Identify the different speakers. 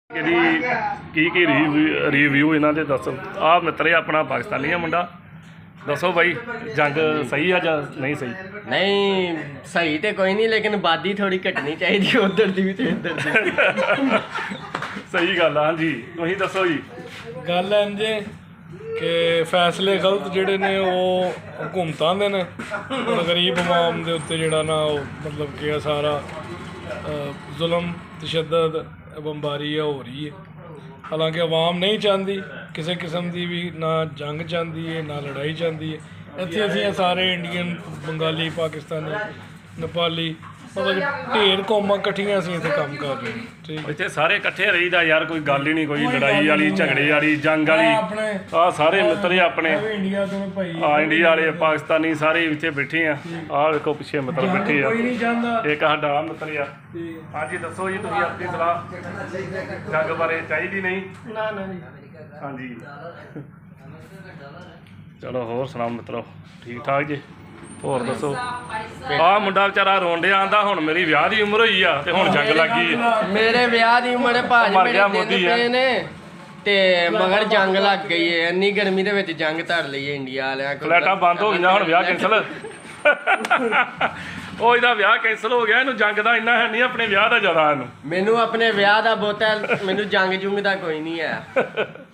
Speaker 1: ਕੀ review ਇਹਨਾਂ ਦੇ ਦੱਸੋ। ਆ ਮਿੱਤਰੇ ਆਪਣਾ ਪਾਕਿਸਤਾਨੀ ਆ ਮੁੰਡਾ, ਦੱਸੋ ਬਾਈ ਜੰਗ ਸਹੀ ਆ ਜਾਂ ਨਹੀਂ ਸਹੀ?
Speaker 2: ਨਹੀਂ ਸਹੀ ਤੇ ਕੋਈ ਨਹੀਂ, ਲੇਕਿਨ ਆਬਾਦੀ ਥੋੜੀ ਘਟਣੀ ਚਾਹੀਦੀ ਉਧਰ ਦੀ ਵੀ ਤੇ ਇੱਧਰ ਦੀ।
Speaker 1: ਸਹੀ ਗੱਲ ਆ। ਹਾਂਜੀ ਤੁਸੀਂ ਦੱਸੋ ਜੀ।
Speaker 3: ਗੱਲ ਇੰਜੇ ਕਿ ਫੈਸਲੇ ਗਲਤ ਜਿਹੜੇ ਨੇ ਉਹ ਹਕੂਮਤਾਂ ਦੇ ਨੇ, ਹੁਣ ਗਰੀਬ ਆਵਾਮ ਦੇ ਉੱਤੇ ਜਿਹੜਾ ਨਾ ਉਹ ਮਤਲਬ ਕਿ ਸਾਰਾ ਜ਼ੁਲਮ ਤਸ਼ੱਦਦ ਬੰਬਾਰੀ ਆ ਹੋ ਰਹੀ ਹੈ। ਹਾਲਾਂਕਿ ਆਵਾਮ ਨਹੀਂ ਚਾਹੁੰਦੀ ਕਿਸੇ ਕਿਸਮ ਦੀ ਵੀ, ਨਾ ਜੰਗ ਚਾਹੁੰਦੀ ਹੈ ਨਾ ਲੜਾਈ ਚਾਹੁੰਦੀ ਹੈ। ਇੱਥੇ ਅਸੀਂ ਸਾਰੇ ਇੰਡੀਅਨ, ਬੰਗਾਲੀ, ਪਾਕਿਸਤਾਨੀ, ਨੇਪਾਲੀ, ਮਤਲਬ ਢੇਰ ਕੌਮਾਂ ਇਕੱਠੀਆਂ ਅਸੀਂ ਇੱਥੇ ਕੰਮ ਕਰ ਰਹੇ ਹਾਂ। ਠੀਕ
Speaker 1: ਇੱਥੇ ਸਾਰੇ ਇਕੱਠੇ ਰਹੀਦਾ ਯਾਰ, ਕੋਈ ਗੱਲ ਹੀ ਨਹੀਂ, ਕੋਈ ਲੜਾਈ ਵਾਲੀ ਝਗੜੇ ਵਾਲੀ ਜੰਗ ਵਾਲੀ। ਆਹ ਸਾਰੇ ਮਿੱਤਰ ਆਪਣੇ
Speaker 3: ਇੰਡੀਆ ਤੋਂ ਭਾਈ,
Speaker 1: ਆ ਇੰਡੀਆ ਵਾਲੇ ਪਾਕਿਸਤਾਨੀ ਸਾਰੇ ਇੱਥੇ ਬੈਠੇ ਆ। ਆਹ ਵੇਖੋ ਪਿੱਛੇ ਮਿੱਤਰ ਬੈਠੇ ਆ,
Speaker 3: ਕੋਈ ਨਹੀਂ ਚਾਹੁੰਦਾ।
Speaker 1: ਇੱਕ ਸਾਡਾ ਆਹ ਮਿੱਤਰ ਆ। ਹਾਂਜੀ ਦੱਸੋ ਜੀ ਤੁਸੀਂ ਆਪਣੀ ਸਲਾਹ ਜੰਗ ਬਾਰੇ। ਚਾਹੀਦੀ ਨਹੀਂ?
Speaker 3: ਨਾ ਨਾ ਜੀ।
Speaker 1: ਹਾਂਜੀ ਚਲੋ ਹੋਰ ਸੁਣਾਓ ਮਿੱਤਰੋ, ਠੀਕ ਠਾਕ ਜੀ? ਹੋਰ ਦੱਸੋ। ਆਹ ਮੁੰਡਾ ਵਿਚਾਰਾ ਰੋਣ ਡਿਆ, ਆਂਦਾ ਹੁਣ ਮੇਰੀ ਵਿਆਹ ਦੀ ਉਮਰ ਹੋਈ ਆ ਤੇ ਹੁਣ ਜੰਗ ਲੱਗ ਗਈ ਹੈ।
Speaker 2: ਮੇਰੇ ਵਿਆਹ ਦੀ ਉਮਰ ਭਾਜ
Speaker 1: ਮਰ
Speaker 2: ਮੇਰੇ
Speaker 1: ਗਿਆ
Speaker 2: ਦਿਨ
Speaker 1: ਮੋਦੀ ਆ।
Speaker 2: ਪਏ ਨੇ ਤੇ ਮਗਰ ਜੰਗ ਲੱਗ ਗਈ ਹੈ। ਇੰਨੀ ਗਰਮੀ ਦੇ ਵਿੱਚ ਜੰਗ ਧਰ ਲਈ ਹੈ ਇੰਡੀਆ ਵਾਲਿਆਂ ਕੋਲ।
Speaker 1: ਫਲੈਟਾਂ ਬੰਦ ਹੋ ਗਈਆਂ, ਹੁਣ ਵਿਆਹ ਕੈਂਸਲ। ਉਹ ਇਹਦਾ ਵਿਆਹ ਕੈਂਸਲ ਹੋ ਗਿਆ, ਇਹਨੂੰ ਜੰਗ ਦਾ ਇੰਨਾ ਹੈ ਨਹੀਂ, ਆਪਣੇ ਵਿਆਹ ਦਾ ਜ਼ਿਆਦਾ ਇਹਨੂੰ।
Speaker 2: ਮੈਨੂੰ ਆਪਣੇ ਵਿਆਹ ਦਾ ਬਹੁਤਾ, ਮੈਨੂੰ ਜੰਗ ਜੁੰਗ ਦਾ ਕੋਈ ਨਹੀਂ ਹੈ।